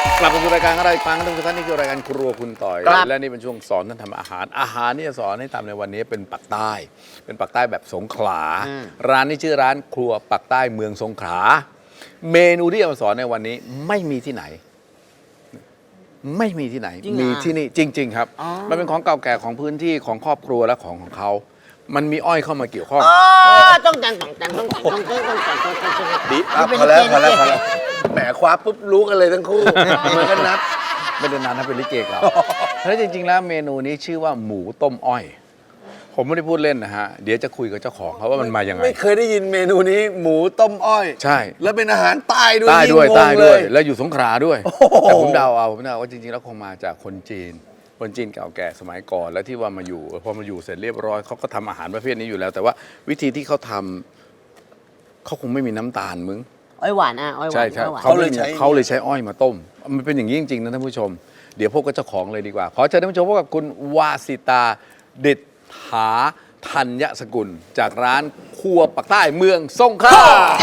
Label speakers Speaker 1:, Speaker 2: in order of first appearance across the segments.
Speaker 1: กลับมาสู่รายการอะไรฟังกันทุกท่านนี่คือรายการครัวคุณต่อยและนี่เป็นช่วงสอนท่านทำอาหารที่จะสอนให้ทำในวันนี้เป็นปักใต้เป็นปักใต้แบบสงขลาร้านนี้ชื่อร้านครัวปักใต้เมืองสงขลาเมนูที่จะมาสอนในวันนี้ไม่มีที่ไหนไม่มีที่ไหนมีที่นี่จริงๆครับมันเป็นของเก่าแก่ของพื้นที่ของครอบครัวและของเขามันมีอ้อยเข้ามาเกี่ยวข้อง
Speaker 2: ต้องแต่ง
Speaker 3: ดิพอแล้วแหมคว้าปุ๊บรู้กันเลยทั้งคู่เหมือนกันนัด
Speaker 1: ไม่ได้นานนะเป็นลิเกเก่าแล้วจริงๆแล้วเมนูนี้ชื่อว่าหมูต้มอ้อยผมไม่ได้พูดเล่นนะฮะเดี๋ยวจะคุยกับเจ้าของเขาว่ามันมายังไง
Speaker 3: ไม่เคยได้ยินเมนูนี้หมูต้มอ้อย
Speaker 1: ใช่
Speaker 3: แล้วเป็นอาหารใต้ด้วย
Speaker 1: ใต้ด้วยแล้วอยู่สงขลาด้วยแต่ผมเดาว่าจริงๆแล้วคงมาจากคนจีนเก่าแก่สมัยก่อนแล้วที่ว่ามาอยู่พอมาอยู่เสร็จเรียบร้อยเขาก็ทำอาหารประเภทนี้อยู่แล้วแต่ว่าวิธีที่เขาทำเขาคงไม่มีน้ำตาลมึง
Speaker 2: อ้อยหวานอ้อยหวาน
Speaker 1: ใช่เขาเลยใช้อ้อยมาต้มมันเป็นอย่างนี้จริงๆนะท่านผู้ชมเดี๋ยวพบกับเจ้าของเลยดีกว่าขอเชิญท่านผู้ชมพบกับคุณวาสิตาเด็ดหาธัญสกุลจากร้านครัวปักใต้เมืองสงขลา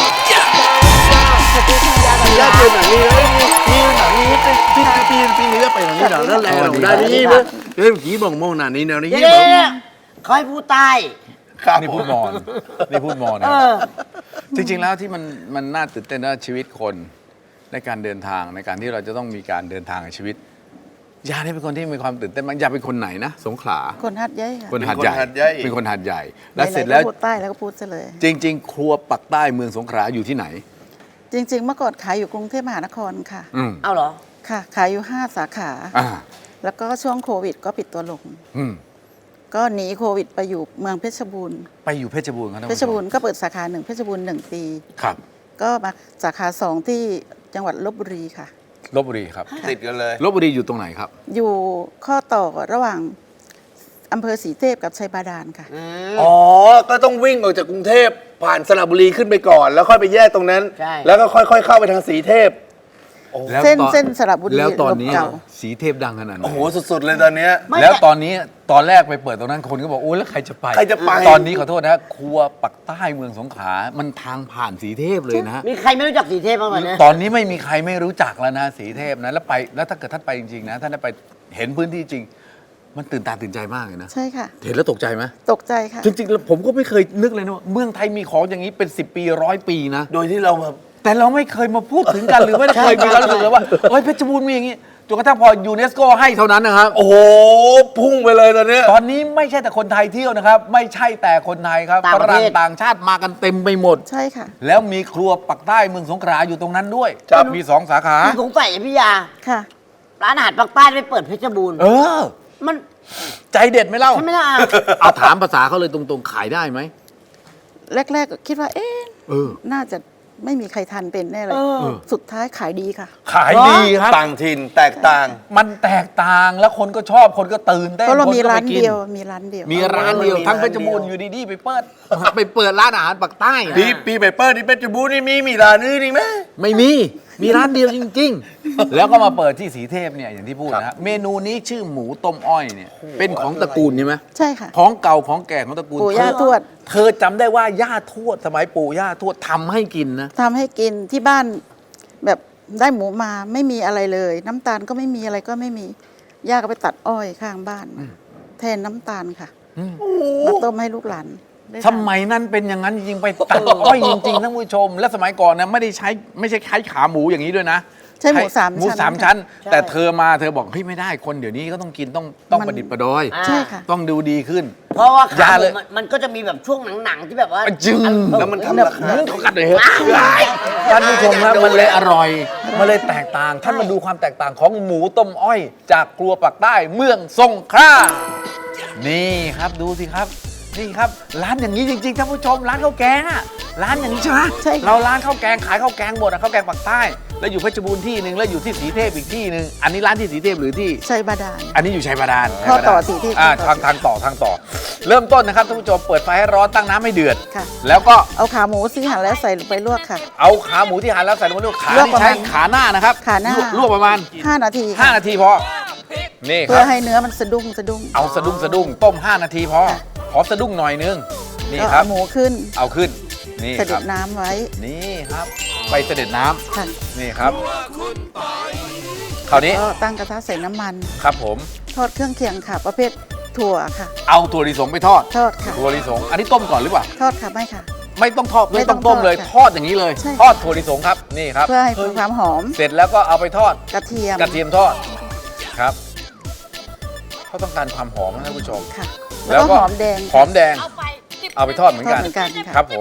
Speaker 3: ย่าเจอหนังนี้เลยมีหนังนี้ปีนี้ไปหนังนี้หนังนั่นแหละได้นี่มั้ยเฮ้ยผีบ่งโมงหนังนี้แนวนี้
Speaker 2: เขาให้พูดใต้
Speaker 1: นี่พูดมอนนะจริงๆแล้วที่มันน่าตื่นเต้นว่าชีวิตคนในการเดินทางในการที่เราจะต้องมีการเดินทางในชีวิตยาเนี่ยเป็นคนที่มีความตื่นเต้นมากยาเป็นคนไหนนะสงขลา
Speaker 4: คนหัดใหญ่ค่ะ
Speaker 1: คนหัดใหญ่เป็นคนหัดใหญ่แล้วเสร็จแล้ว
Speaker 4: พูดใต้แล้วก็พูดซะเลย
Speaker 1: จริงๆครัวปักใต้เมืองสงขลาอยู่ที่ไหน
Speaker 4: จริงๆเมื่อก่อนขายอยู่กรุงเทพมหานครค่ะ
Speaker 2: เอาเหรอ
Speaker 4: ค่ะขายอยู่5 สาขาแล้วก็ช่วงโควิดก็ปิดตัวลงก็หนีโควิดไปอยู่เมืองเพชรบูรณ์
Speaker 1: ไปอยู่เพชรบูรณ์ครับ
Speaker 4: เพชรบูรณ์ก็เปิดสาขา1เพชรบูรณ์1 ปี
Speaker 1: ครับ
Speaker 4: ก็มาสาขา2ที่จังหวัดลพบุรีค่ะ
Speaker 1: ลพบุรีครับ
Speaker 3: ติดกันเลย
Speaker 1: ลพบุรีอยู่ตรงไหนครับ
Speaker 4: อยู่ข้อต่อระหว่างอำเภอศรีเทพกับชัยบาดาลค่ะ
Speaker 3: อ๋อก็ต้องวิ่งออกจากกรุงเทพผ่านสระบุรีขึ้นไปก่อนแล้วค่อยไปแยกตรงนั้นแล้วก็ค่อยๆเข้าไปทางศรีเทพ
Speaker 4: เส้นสระบุรี
Speaker 1: แล้วตอนนี้ศรีเทพดังขนาดไหน
Speaker 3: โอ้โหสุดๆเลยตอนนี้
Speaker 1: แล้วตอนนี้ตอนแรกไปเปิดตรงนั้นคนก็บอกโอ้แล้วใครจะไปตอนนี้ขอโทษนะครัวปักใต้เมืองสงขลามันทางผ่านศรีเทพเลยนะ
Speaker 2: มีใครไม่รู้จักศรีเทพบ้างไหมเนี่ย
Speaker 1: ตอนนี้ไม่มีใครไม่รู้จักแล้วนะศรีเทพนะแล้วถ้าเกิดท่านไปจริงๆนะท่านได้ไปเห็นพื้นที่จริงมันตื่นตาตื่นใจมากเลยนะ
Speaker 4: ใช่ค่ะ
Speaker 1: เห็นแล้วตกใจไหม
Speaker 4: ตกใจค่ะ
Speaker 1: จริงๆแล้วผมก็ไม่เคยนึกเลยนะว่าเมืองไทยมีของอย่างนี้เป็น10 ปี100 ปีนะ
Speaker 3: โดยที่เราแบบ
Speaker 1: แต่เราไม่เคยมาพูดถึงกันหรือไม่เคยมีการรู้สึกเลยว่าเฮ้ยเพชรบูรณ์มีอย่างนี้จนกระทั่งพอยูเนสโกให้เท่านั้นนะครับ
Speaker 3: โอ้โหพุ่งไปเลยตอน
Speaker 1: นี้ไม่ใช่แต่คนไทยเที่ยวนะครับไม่ใช่แต่คนไทยครับฝรั่งต่างชาติมากันเต็มไปหมด
Speaker 4: ใช่ค่ะ
Speaker 1: แล้วมีครัวปักใต้เมืองสงขลาอยู่ตรงนั้นด้วยมี2 สาขา
Speaker 2: สงสัยพี่ยา
Speaker 4: ค่ะ
Speaker 2: ร้านอาหารปักใต้ไปเปิดเพชรบูรณ์มัน
Speaker 1: ใจเด็ดไหมเล่า
Speaker 2: ใช่ไหมล่ะ
Speaker 1: เอาถามภาษาเขาเลยตรงๆขายได้ไหม
Speaker 4: แรกๆก็คิดว่าน่าจะไม่มีใครทันเป็นแน่เลยสุดท้ายขายดีค่ะ
Speaker 1: ขายดีครับ
Speaker 3: ต่างถิ่นแตกต่าง
Speaker 1: มันแตกต่างแล้วคนก็ชอบคนก็ตื่นเต้น
Speaker 4: เพราะเรามีร้านเดียว
Speaker 1: ทั้งเพชรบูรณ์อยู่ดีๆไปเปิดร้านอาหารปักใต้
Speaker 3: ปีไปเปิดที่เพชรบูรณ์นี่มีร้านนี้นี่ไหม
Speaker 1: ไม่มีร้านเดียวจริงๆแล้วก็มาเปิดที่ศรีเทพเนี่ยอย่างที่พูดนะเมนูนี้ชื่อหมูต้มอ้อยเนี่ยเป็นของตระกูลใช่ไหม
Speaker 4: ใช่ค่ะ
Speaker 1: ของเก่าของแก่ของตระกูล
Speaker 4: ปู่ย่าทวด
Speaker 1: เธอจำได้ว่าย่าทวดสมัยปู่ย่าทวดทำให้กินนะ
Speaker 4: ทำให้กินที่บ้านแบบได้หมูมาไม่มีอะไรเลยน้ำตาลก็ไม่มีอะไรก็ไม่มีย่าก็ไปตัดอ้อยข้างบ้านแทนน้ำตาลค่ะมาต้มให้ลูกหลาน
Speaker 1: สมัยนั้นเป็นอย่างนั้นจริงๆไปตัดอ้อยจริงๆท่านผู้ชมและสมัยก่อนนะไม่ใช่ขาหมูอย่างนี้ด้วยนะ
Speaker 4: ใช่หมู3
Speaker 1: ชั้นแต่เธอบอกเฮ้ยไม่ได้คนเดี๋ยวนี้ก็ต้องกินต้องประดิษฐ์ประดอย
Speaker 4: ใช่ค่ะ
Speaker 1: ต้องดูดีขึ้น
Speaker 2: เพราะว่าขาหมูมันก็จะมีแบบช่วงหนังๆที่แบบว่า
Speaker 1: จึง
Speaker 3: แล้วมันทำราคา
Speaker 1: เขากัดเลยท่านผู้ชมแล้วมันเลยอร่อยมันเลยแตกต่างท่านมาดูความแตกต่างของหมูต้มอ้อยจากครัวปักใต้เมืองสงขลานี่ครับดูสิครับนี่ครับร้านอย่างนี้จริงๆท่านผู้ชมร้านข้าวแกงอะร้านอย่างนี้ใช่ไหม
Speaker 4: ใช่
Speaker 1: เราร้านข้าวแกงขายข้าวแกงหมดอะข้าวแกงปักใต้แล้วอยู่เพชรบูรณ์ที่นึงแล้วอยู่ที่ศรีเทพอีกที่นึงอันนี้ร้านที่ศรีเทพหรือที่
Speaker 4: ชัยบาดาล
Speaker 1: อันนี้อยู่ชัยบาดาล
Speaker 4: ข้อต่อศรีเทพ
Speaker 1: ทางต่อเริ่มต้นนะครับท่านผู้ชมเปิดไฟให้ร้อนตั้งน้ำให้เดือด
Speaker 4: ค่ะ
Speaker 1: แล้วก็
Speaker 4: เอาขาหมูที่หั่นแล้วใส่ลงไปลวกค่ะ
Speaker 1: เอาขาหมูที่หั่นแล้วใส่ลงไปลวกขาที่ใช้ขาหน้านะครับ
Speaker 4: ขาหน้า
Speaker 1: ลวกประมาณ
Speaker 4: 5 นาที
Speaker 1: 5 นาทีพอนี่
Speaker 4: เพื่อให้เนื้อมันสะดุ้ง
Speaker 1: เอาสะดุ้งต้ม5 นาทีพอขอสะดุ้งหน่อยนึงนี่ครับ
Speaker 4: หมูขึ้น
Speaker 1: เอาขึ้นนี่
Speaker 4: เสด็จน้ำไว้
Speaker 1: นี่ครับไปเสด็จน้ำนี่ครับคราวนี้
Speaker 4: ก็ตั้งกระทะใส่น้ำมัน
Speaker 1: ครับผม
Speaker 4: ทอดเครื่องเคียงค่ะ ประเภทถั่วค่ะ
Speaker 1: เอาถั่วลิสงไปทอด
Speaker 4: ทอดค่ะ
Speaker 1: ถั่วลิสงอันนี้ต้มก่อนหรือเปล่า
Speaker 4: ทอดค่ะไม่ค่ะ
Speaker 1: ไม่ต้องทอด
Speaker 4: ไม่
Speaker 1: ไม่
Speaker 4: ต้
Speaker 1: ต้
Speaker 4: อ
Speaker 1: อง งต้มเลย
Speaker 4: ทอดค่ะ
Speaker 1: ทอดอย่างนี้เลย
Speaker 4: ใช่
Speaker 1: ทอดถั่วลิสงครับนี่ครับ
Speaker 4: เพื่อให้มีความหอม
Speaker 1: เสร็จแล้วก็เอาไปทอด
Speaker 4: กระเทียม
Speaker 1: กระเทียมทอดครับเขาต้องการความหอมนะท่านผู้ชม
Speaker 4: ค่ะ แล้วก็หอมแดง
Speaker 1: หอมแดงเอาไปทอดเหมือนกัน
Speaker 4: ทอดเหมือนกันค่ะ
Speaker 1: ครับ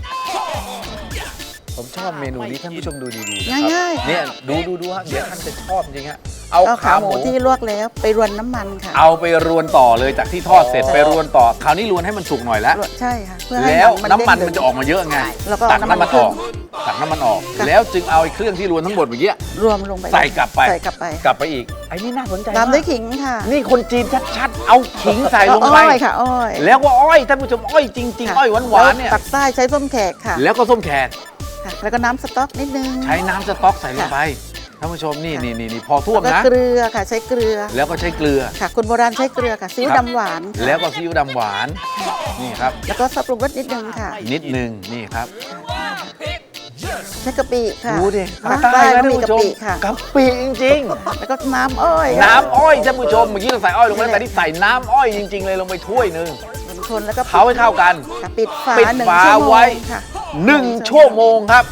Speaker 1: ผมชอบเมนูนี้ท่านผู้ชมดูดีๆนะครับ
Speaker 4: ง่ายๆ
Speaker 1: เนี่ยดูฮะเดี๋ยวท่านจะชอบจริงฮะเอา
Speaker 4: เอา
Speaker 1: ขา
Speaker 4: ขา
Speaker 1: ห
Speaker 4: ห
Speaker 1: มู
Speaker 4: มูที่ลวกแล้วไปรวนน้ำมันค่ะ
Speaker 1: เอาไปรวนต่อเลยจากที่ทอดเสร็จไปรวนต่อคราวนี้รวนให้มันสุกหน่อยแล้ว
Speaker 4: ใช่ค่ะเพื่อให้
Speaker 1: แล้วน้ำมัน
Speaker 4: เด้ง
Speaker 1: มันจะออกมาเยอะไง
Speaker 4: แล้วก็
Speaker 1: ตักน้ำมัน
Speaker 4: น้ำมัน
Speaker 1: ออกตักน้ำมันออก
Speaker 4: ค่ะ
Speaker 1: แล้วจึงเอาไอ้เครื่องที่รวนทั้งหมดเมื่อกี้
Speaker 4: รวมลงไป
Speaker 1: ใส่กลับไป
Speaker 4: ใส่กลับไป
Speaker 1: กลับไปอีกไอ้นี่น่าสนใจ
Speaker 4: ตาม
Speaker 1: มาก
Speaker 4: ด้วยขิงค่ะ
Speaker 1: นี่คนจีนชัดๆเอาขิงใส่ลงไป
Speaker 4: อ้อยค่ะอ้อย
Speaker 1: แล้วก็อ้อยท่านผู้ชมอ้อยจริง
Speaker 4: ค่ะ
Speaker 1: ๆอ้อยหวานๆเนี่ย
Speaker 4: ปักใต้ใช้ส้มแขกค่ะ
Speaker 1: แล้วก็ส้มแขก
Speaker 4: ค่ะ แล้วก็น้ำสต๊อกนิดนึง
Speaker 1: ใช้น้ำสต๊อกใส่ลงไปท่านผู้ชมนี่
Speaker 4: ค่ะ
Speaker 1: นี่พอท่วม
Speaker 4: แล้ว
Speaker 1: นะ
Speaker 4: ก็เกลือค่ะใช้เกลือ
Speaker 1: แล้วก็ใช้เกลือ
Speaker 4: ค่ะคนโบราณใช้เกลือค่ะซีอิ๊ว
Speaker 1: ครับ
Speaker 4: ดำหวานค่ะ
Speaker 1: แล้วก็ซีอิ๊วดำหวานนี่ครับ
Speaker 4: แล้วก็ซอสปรุงรสนิดนึงค่ะ
Speaker 1: นิดนึงนี่ครับ
Speaker 4: ใช้กะปิค่ะ
Speaker 1: ดูดิ
Speaker 4: ภาคใต้
Speaker 1: นะ
Speaker 4: ก็
Speaker 1: ท่าน
Speaker 4: มี
Speaker 1: ผู้
Speaker 4: กะ
Speaker 1: ชม
Speaker 4: ปิค่ะ
Speaker 1: กะปิจริง
Speaker 4: แล้วก็น้ำอ้อย
Speaker 1: ๆ น้ำอ้อยท่านผู้ชมเมื่อกี้เราใส่อ้อยลงไปแล้วแต่นี่ใส่น้ำอ้อยจริง ๆ เลยลงไปถ้วยหนึง
Speaker 4: คนแล้วก็
Speaker 1: เขาให้เข้ากัน
Speaker 4: ค่ะปิดฝา
Speaker 1: ปิด
Speaker 4: หนึ่ง
Speaker 1: ฝา
Speaker 4: ชั่วโมง
Speaker 1: ไว้
Speaker 4: ค่ะ
Speaker 1: 1 ชั่วโมงครับ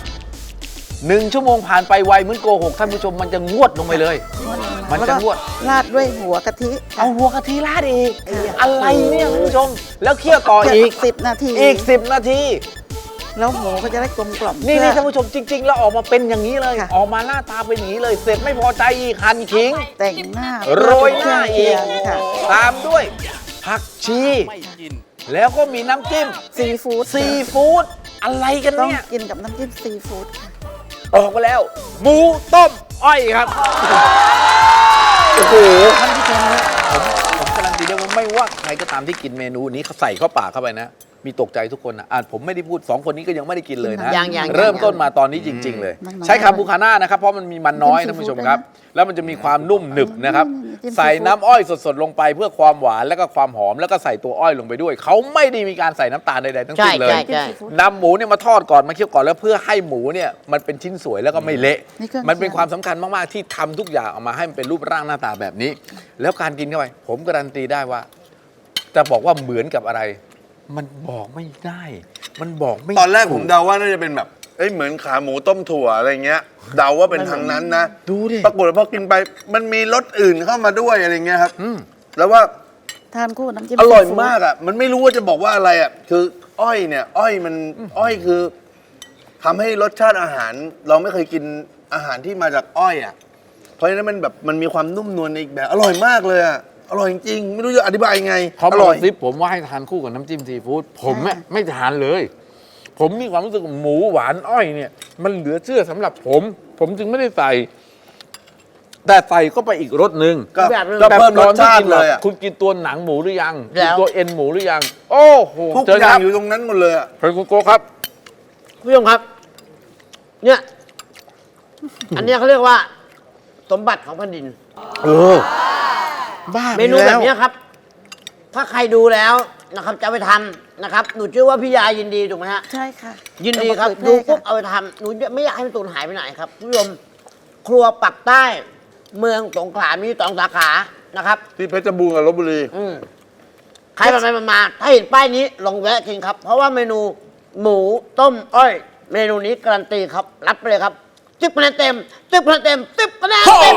Speaker 1: 1 ชั่วโมงผ่านไปไวเหมือนโกหกท่านผู้ชมมันจะงวดลงไปเลย มันจะงวด
Speaker 4: ราดด้วยหัวกะทิ
Speaker 1: เอาหัวกะทิราดอีก อะไรเนี่ยท่านผู้ชม แล้วเคี่ยวต่ออีก
Speaker 4: 10 นาที
Speaker 1: อีก 10 นาที
Speaker 4: แล้วหมูก็จะได้กลมกล่อม
Speaker 1: นี่
Speaker 4: เพื่อ
Speaker 1: ท่านผู้ชมจริง ๆ แล้วออกมาเป็นอย่างนี้เลย
Speaker 4: ค่ะ
Speaker 1: ออกมาหน้าตาเป็นอย่างนี้เลย เสร็จไม่พอใจอีกหั่นขิง
Speaker 4: แต่งหน้า
Speaker 1: โรยหน้าอีก
Speaker 4: ค่ะ
Speaker 1: ตามด้วยผักชี แล้วก็มีน้ำจิ้ม
Speaker 4: ซีฟู้ด
Speaker 1: ซีฟู้ดอะไรกัน
Speaker 4: ต้อง
Speaker 1: เนี่ย
Speaker 4: กินกับน้ำจิ้มซีฟู้ดค่ะ
Speaker 1: ออกมาแล้ว หมูต้มอ้อยครับ โอ้โหท่านผู้ชมนะผมการันตีได้ว่าไม่ว่าใครก็ตามที่กินเมนูนี้เขาใส่เข้าปากเข้าไปนะ มีตกใจทุกคนนะผมไม่ได้พูด 2 คนนี้ก็ยังไม่ได้กินเลยนะ
Speaker 2: ยัง
Speaker 1: เริ่มต้นมาตอนนี้จริง ๆ เลย ใช้คาบูคาน่านะครับ เพราะมันมีมันน้อยท่านผู้ชมครับ แล้วมันจะมีความนุ่มหนึบนะครับ ใส่น้ำอ้อยสดๆลงไปเพื่อความหวานแล้วก็ความหอมแล้วก็ใส่ตัวอ้อยลงไปด้วย เขาไม่ได้มีการใส่น้ำตาลใดๆทั้งสิ้นเลย
Speaker 2: ใช่
Speaker 1: นำหมูเนี่ยมาทอดก่อนมาเคี่ยวก่อนแล้วเพื่อให้หมูเนี่ยมันเป็นชิ้นสวยแล้วก็ไม่เละ
Speaker 4: นี่เครื่อง
Speaker 1: มันเป็นความสำคัญมาก ๆ ที่ทำทุกอย่างออกมาให้มันเป็นรูปร่างหน้าตาแบบนี้ แล้วการกินเข้าไป ผมการันตีได้ว่า จะบอกว่าเหมือนกับอะไร มันบอกไม่ได้ มันบอกไม่
Speaker 3: ตอนแรกผม
Speaker 1: ถู
Speaker 3: เดาว่าน่าจะเป็นแบบเหมือนขาหมูต้มถั่วอะไรเงี้ย เดาว่าเป็นทางนั้นนะ
Speaker 1: ดูดิ
Speaker 3: ปรากฏว่าพอกินไปมันมีรสอื่นเข้ามาด้วยอะไรเงี้ยครับ
Speaker 1: อืม
Speaker 3: แล้วว่า
Speaker 4: ทานคู่น้ำจิ้ม
Speaker 3: อร่อย
Speaker 4: ซีฟู้ด
Speaker 3: มากอ่ะ มันไม่รู้ว่าจะบอกว่าอะไรอ่ะ คืออ้อยเนี่ย อ้อยมันอ้อยคือทำให้รสชาติอาหาร เราไม่เคยกินอาหารที่มาจากอ้อยอ่ะ เพราะฉะนั้นมันแบบมันมีความนุ่มนวลในอีกแบบ อร่อยมากเลยอ่ะ อร่อยจริงๆไม่รู้จะอธิบายยังไง
Speaker 1: เขา
Speaker 3: อ
Speaker 1: บอก
Speaker 3: ร่อย
Speaker 1: ซิปผมว่าให้ทานคู่กับน้ำจิ้มซีฟู้ดผมอะไม่ทานเลย ผมมีความรู้สึกว่าหมูหวานอ้อยเนี่ย มันเหลือเชื่อสำหรับผม ผมจึงไม่ได้ใส่ แต่ใส่เข้าไปอีกรสหนึ่ง
Speaker 3: ก็
Speaker 2: แบบนึง
Speaker 3: ก็เพิ่มรสชาติ
Speaker 1: แบบตอนที่กิน
Speaker 3: เลยอ่ะ
Speaker 1: คุณกินตัวหนังหมูหรือยัง
Speaker 2: แล้ว
Speaker 1: กินตัวเอ็นหมูหรือยัง โอ้โห
Speaker 3: ทุก
Speaker 1: เจอ
Speaker 3: อ
Speaker 1: ค
Speaker 3: ย่าง
Speaker 1: รับ
Speaker 3: อยู่ตรงนั้นหมดเลยอ่ะ
Speaker 1: เฮ้ยคุณโกครับ
Speaker 2: คุณผู้ชมครับ เนี่ย อันเนี้ยเขาเรียกว่า สมบัติของแผ่นดิน
Speaker 1: เออ บ้าไป
Speaker 2: เมนู
Speaker 1: แล้ว
Speaker 2: แบบเนี้ยครับ ถ้าใครดูแล้วนะครับจะเอาไปทำนะครับ หนูเชื่อว่าพี่ยายินดีถูกไหมฮะ
Speaker 4: ใช่ค่ะ
Speaker 2: ยินดีครับ
Speaker 4: เอามาเผ
Speaker 2: ดู
Speaker 4: ยแพร่
Speaker 2: ปุ๊บ
Speaker 4: ค่ะ
Speaker 2: เอาไปทำหนูไม่อยากให้มันสูญหายไปไหนครับคุณผู้ชมครัวปักใต้ เมืองสงขลามี2 สาขานะครับ
Speaker 3: ที่เพชรบูรณ์กับลบบุรี
Speaker 2: ใครไปมาถ้าเห็นป้ายนี้ลองแวะกินครับ เพราะว่าเมนูหมูต้มอ้อย เมนูนี้การันตีครับ รับไปเลยครับ10 คะแนนเต็ม10 คะแนนเต็ม10 คะแนนเต็ม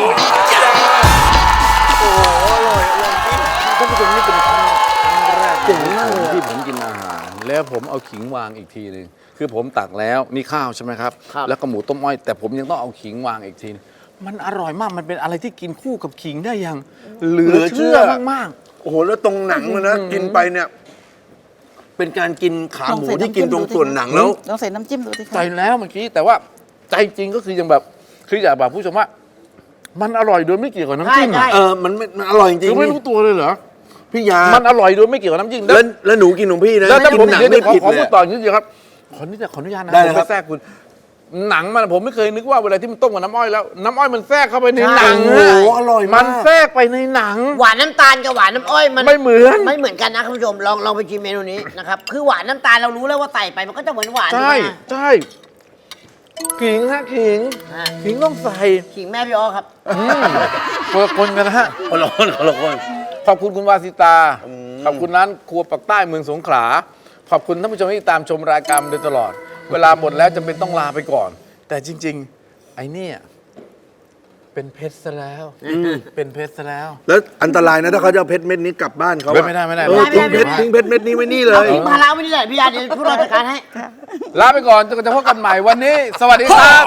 Speaker 1: ท่านผู้ชมนี่เป็นครั้งแรกของผมที่ผมกินอาหาร แล้วผมเอาขิงวางอีกทีหนึงคือผมตักแล้วนี่ข้าวใช่ไหมครับ
Speaker 2: ครับ
Speaker 1: แล้วก็หมูต้มอ้อย แต่ผมยังต้องเอาขิงวางอีกทีนึงมันอร่อยมากมันเป็นอะไรที่กินคู่กับขิงได้อย่างเหลือเชื่อมาก
Speaker 3: โอ้โห แล้วตรงหนังมันนะ กินไปเนี่ย เป็นการกินขาหมูที่กินตรงส่วนหนังแล้ว
Speaker 4: ลองใส่น้ำจิ้มดูสิ
Speaker 1: ๆ
Speaker 4: คะ
Speaker 1: ใจแล้วเมื่อกี้แต่ว่าใจจริงก็คือยังแบบคืออยากบอกผู้ชมว่า มันอร่อยโดยไม่เกี่ยวกับน้ำจิ้ม
Speaker 2: ใช่
Speaker 1: อะ
Speaker 3: มันอร่อยจริ
Speaker 1: คื
Speaker 3: ง
Speaker 1: อไม่รู้ตัวเลยเหรอ
Speaker 3: พี่ยา
Speaker 1: มันอร่อยโดยไม่เกี่ยวกับน้ำจิ้ม
Speaker 3: แล้วหนูกินของพี่นะ
Speaker 1: แล้วถ้า
Speaker 3: กิ
Speaker 1: ผม
Speaker 3: นหนัง
Speaker 1: เดี๋ยว
Speaker 3: ไม่
Speaker 1: ขอ
Speaker 3: ผิด
Speaker 1: ขอ
Speaker 3: เล
Speaker 1: พู
Speaker 3: ย
Speaker 1: ดต่อนิดเดียวครับขออนุญาตนะ
Speaker 3: ได้
Speaker 1: ผ
Speaker 3: เลย
Speaker 1: ม
Speaker 3: ครั
Speaker 1: ไป
Speaker 3: บ
Speaker 1: แทรกคุณ หนังมันผมไม่เคยนึกว่าเวลาที่มันต้มกับน้ำอ้อยแล้วน้ำอ้อยมันแทรกเข้าไปในหนัง
Speaker 3: โอ้โหอร่อย
Speaker 1: มั
Speaker 3: มาน ก
Speaker 1: แทรกไปในหนัง
Speaker 2: หวานน้ำตาลกับหวานน้ำอ้อยมัน
Speaker 1: ไม่เหมือน
Speaker 2: ไม่เหมือนกันนะคุณผู้ชมลองไปชิมเมนูนี้นะครับคือหวานน้ำตาลเรารู้แล้วว่าใส่ไปมันก็จะเหมือนหวาน
Speaker 1: ใช่
Speaker 2: ถูกไหม
Speaker 1: ใช่ขิงฮะขิง
Speaker 2: อ่า
Speaker 1: ขิงต้องใส่
Speaker 2: ขิงแม่พี่อ้อครับ
Speaker 1: คนละคนกันนะฮะ
Speaker 3: คนละคนคนละคน
Speaker 1: ขอบคุณคุณวาสิตา ขอบคุณร้านครัวปักใต้เมืองสงขลา ขอบคุณท่านผู้ชมที่ตามชมรายการมาโดยตลอด เวลาหมดแล้วจำเป็นต้องลาไปก่อน แต่จริง ๆ ไอ้เนี่ยเป็นเพชรซะแล้ว เป็นเพชรซะแล้ว
Speaker 3: แล้วอันตรายนะถ้าเขาจะเอาเพชรเม็ดนี้กลับบ้านเขาอะ
Speaker 1: ไม่ได้ไม่ได้
Speaker 3: เออ
Speaker 2: ไม่ได้
Speaker 3: ทิ้งเพชรเม็ดนี้ไว้นี่เล
Speaker 2: เอา
Speaker 3: ย
Speaker 2: ทิ้งภาระไว้นี่แหละพี่ยาเดี๋ยวพวกเราจัดการให้
Speaker 1: ลาไปก่อนจนกว่าจะพบกันใหม่วันนี้ สวัสดีครับ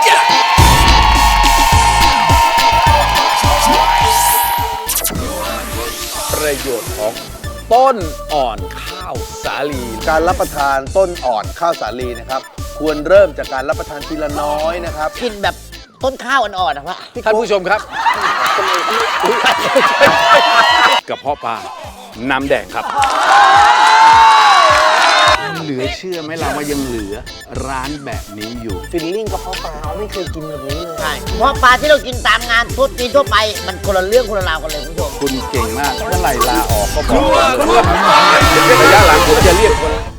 Speaker 1: ประโยชน์ของต้นอ่อนข้าวสาลี
Speaker 3: การรับประทานต้นอ่อนข้าวสาลีนะครับ ควรเริ่มจากการรับประทานทีละน้อยนะครับ
Speaker 2: กินแบบต้นข้าวอ่อนๆนะวะ
Speaker 1: ท่านผู้ชมครับกระเพาะปลาน้ำแดงครับ เหลือเชื่อไหมเราว่ายังเหลือร้านแบบนี้อยู่
Speaker 3: ฟิลลิ่งกระเพาะปลาเราไม่เคยกินแบบนี้เลย
Speaker 2: ใช่เพราะปลาที่เรากินตามงานทั่วปีทั่วไป มันคนละเรื่องคนละราวกันเลยคุณผู้ชม
Speaker 1: คุณเก่งมากเมื่อไหร่ลาออกก็บอกระยะหลังผมจะเรียกคน